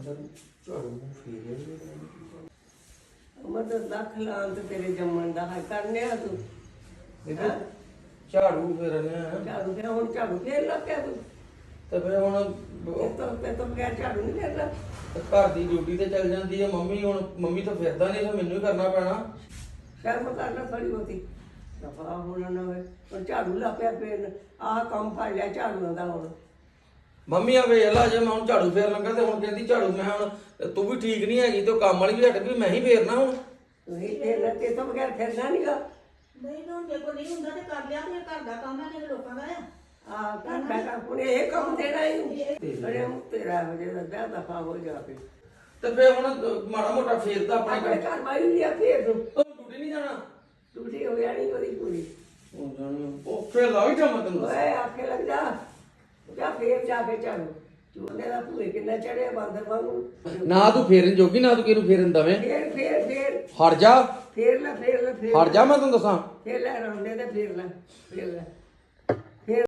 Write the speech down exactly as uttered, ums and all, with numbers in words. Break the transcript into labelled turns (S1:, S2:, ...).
S1: ਝਾੜੂ ਫੇਰਿਆ ਹੀ
S2: ਮਤਲਬ ਲੱਖ ਲਾਂਤ ਤੇਰੇ ਜੰਮਣ ਦਾ ਹੈ ਕਰਨਿਆ ਤੂੰ
S1: ਬੇਬੇ ਝਾੜੂ ਫੇਰਨੇ ਆ
S2: ਝਾੜੂ ਤੇ ਹੁਣ ਝਾੜੂ ਫੇਰ ਲੱਗਾ ਤੂੰ
S1: ਤੇ ਫਿਰ ਹੁਣ
S2: ਇਹ ਤਾਂ ਤੇ ਤਾਂ ਬਗੈਰ ਝਾੜੂ ਨਹੀਂ ਫੇਰਦਾ
S1: ਘਰ ਦੀ ਡਿਊਟੀ ਤੇ ਚੱਲ ਜਾਂਦੀ ਹੈ ਮੰਮੀ ਹੁਣ ਮੰਮੀ ਤਾਂ ਫਿਰਦਾ ਨਹੀਂ ਤਾਂ ਮੈਨੂੰ ਹੀ ਕਰਨਾ ਪੈਣਾ
S2: ਸ਼ਰਮ ਕਰਨਾ ਥੋੜੀ ਬਹੁਤੀ ਦਫਾ ਹੋਣਾ ਨਾ ਹੋਵੇ ਹੁਣ ਝਾੜੂ ਲਾ ਪਿਆ ਫੇਰ ਆਹ ਕੰਮ ਫੜ ਲਿਆ ਝਾੜੂ ਦਾ ਹੁਣ
S1: ਮੰਮੀ ਆ ਵੇਖ ਲਾ ਜੇ ਮੈਂ ਹੁਣ ਝਾੜੂ ਫੇਰ ਲੱਗਾ ਤੇ ਹੁਣ ਕਹਿੰਦੀ ਝਾੜੂ ਮੈਂ ਹੁਣ ਤੂੰ ਵੀ ਠੀਕ ਨਹੀਂ ਹੈਗੀ ਤੇ ਉਹ ਕੰਮ ਵਾਲੀ ਵੀ ਹਟ ਗਈ ਮੈਂ ਹੀ ਫੇਰਨਾ ਹੁਣ
S2: ਤੁਸੀਂ ਫੇਰ ਤੇ ਤੋਂ ਬਗੈਰ ਫਿਰਨਾ ਨਹੀਂਗਾ
S3: ਨਹੀਂ ਤਾਂ ਜੇ ਕੋਈ ਨਹੀਂ ਹੁੰਦਾ ਤੇ ਕਰ ਲਿਆ ਤੇ ਘਰ ਦਾ ਕੰਮ ਹੈ ਜਿਹੜੇ ਲੋਕਾਂ ਦਾ ਆ
S2: ਆ ਕਰ ਬੈਠਾ ਪੁਣੇ ਇਹ ਕੰਮ ਦੇਣਾ ਹੀ ਅਰੇ ਤੇਰਾ ਵਜੇ ਦਾ ਵਿਆਹ ਦਫਾ ਹੋ ਜਾ ਕੇ
S1: ਤੇ ਫੇਰ ਹੁਣ ਮਾੜਾ ਮੋਟਾ ਫੇਰਦਾ ਆਪਣੇ
S2: ਆਪਣੇ ਘਰ ਮਾਈ ਲਿਆ ਫੇਰ ਤੂੰ
S1: ਉਹ ਡਿਊਟੀ ਨਹੀਂ ਜਾਣਾ
S2: ਟੂਟੀ ਹੋ ਜਾਣੀ ਉਹਦੀ ਪੂਰੀ
S1: ਉਹ ਜਾਣੀ ਉਹ ਫੇਰ ਲੱਗ ਜਾ ਮੈਂ ਤੈਨੂੰ
S2: ਓਏ ਆਖੇ ਲੱਗ ਜਾ ਜਾ ਫੇਰ ਜਾ ਕੇ ਝਾੜੂ ਚੂਨੇ ਦਾ ਭੂਏ ਕਿੰਨਾ ਚੜਿਆ ਬਾਂਦਰ ਵਾਂਗੂ
S1: ਨਾ ਤੂੰ ਫੇਰਨ ਜੋਗੀ ਨਾ ਤੂੰ ਕਿਹਨੂੰ ਫੇਰਨ ਦਵੇਂ
S2: ਫੇਰ ਫੇਰ ਫੇਰ
S1: ਹਟ ਜਾ
S2: ਫੇਰ ਲੈ ਫੇਰ ਲੈ ਫੇਰ
S1: ਹਟ ਜਾ ਮੈਂ ਤੈਨੂੰ ਦੱਸਾਂ
S2: ਫੇਰ ਲੈ ਰੌਂਦੇ ਤੇ ਫੇਰ ਲੈ ਫੇਰ ਲੈ